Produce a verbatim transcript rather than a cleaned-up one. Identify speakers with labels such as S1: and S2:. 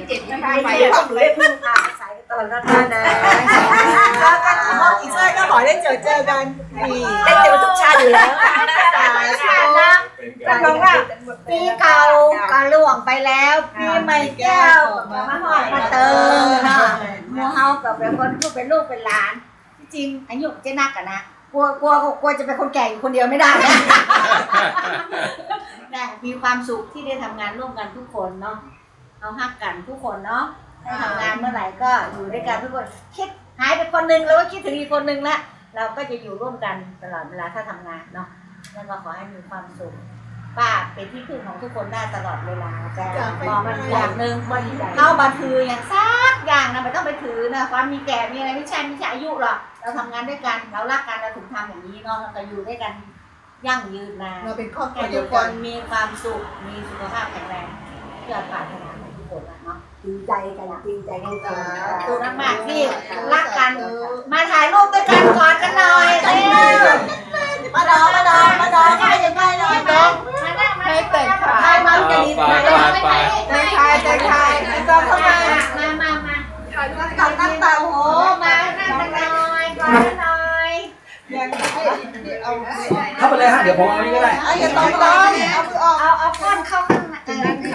S1: เจ็บไม่ได้
S2: ไม่
S1: ไป
S2: ได้ต้องได้พึ่งพาใส่ตลอดนะนะแล้วก็อีกชาติก็ขอได้เจอเจอกันได้เจอทุกชาติอยู่แล้วสายชาตินะก็บอกว่าปีเก่าก็ล่วงไปแล้วปีใหม่แก้วมาหอดมาเติมนะมูเฮากับเป็นคนผู้เป็นลูกเป็นหลานจริงอายุเจ๊นักกันนะกลัวกลัวกลัวจะเป็นคนแก่อยู่คนเดียวไม่ได้นะนะมีความสุขที่ได้ทำงานร่วมกันทุกคนเนาะเอาฮักกันทุกคนเนาะได้ทำงานเมื่อไหร่ก็อยู่ด้วยกันทุกคนคิดหายไปคนนึงแล้วก็คิดถึงอีกคนนึงละเราก็จะอยู่ร่วมกันตลอดเวลาถ้าทำงานเนาะแล้วก็ขอให้มีความสุขป้าเป็นที่พึ่งของทุกคนได้ตลอดเวลาแต่มองมันอย่างหนึ่งเข้าบันทืออย่างซักอย่างนะไม่ต้องไปถือนะความมีแก่มีอะไรไม่ใช่ไม่ใช่อายุหรอกเราทำงานด้วยกันเรารักกันเราถึงทำอย่างนี้เนาะเราอยู่ด้วยกันยั่งยืนนาน
S3: เราเป็นครอบครัว
S2: ให้
S3: เดี
S2: ทุ
S3: ยว
S2: กค
S3: กัน
S2: นมีความสุขมีสุขภาพแข็งแรงเพื่อปรารถนาของทุกคนเนาะจริงใจกันจริงใจกันขอบคุณมากๆที่รักกันมาถ่ายรูปด้วยกันกอดกันหน่อยเร็วมาดองมาดองมาดองให้ยังไงหน่อยดองมานั่งมาให้เตะขาถ่ายมาจะดีมาดองไปเตะขาเตะขาดองเข้ามามามามาตัดตั้งเต่าโหมานั่งกันหน่อยกอดกันหน่อย
S3: ยังให้เอา
S4: เข้าไปเลยฮะเดี๋ยวผมเอานี่ก็ได้
S3: อย่าต้องร้องเอามือออก
S2: เอาเอาก้อนเข้า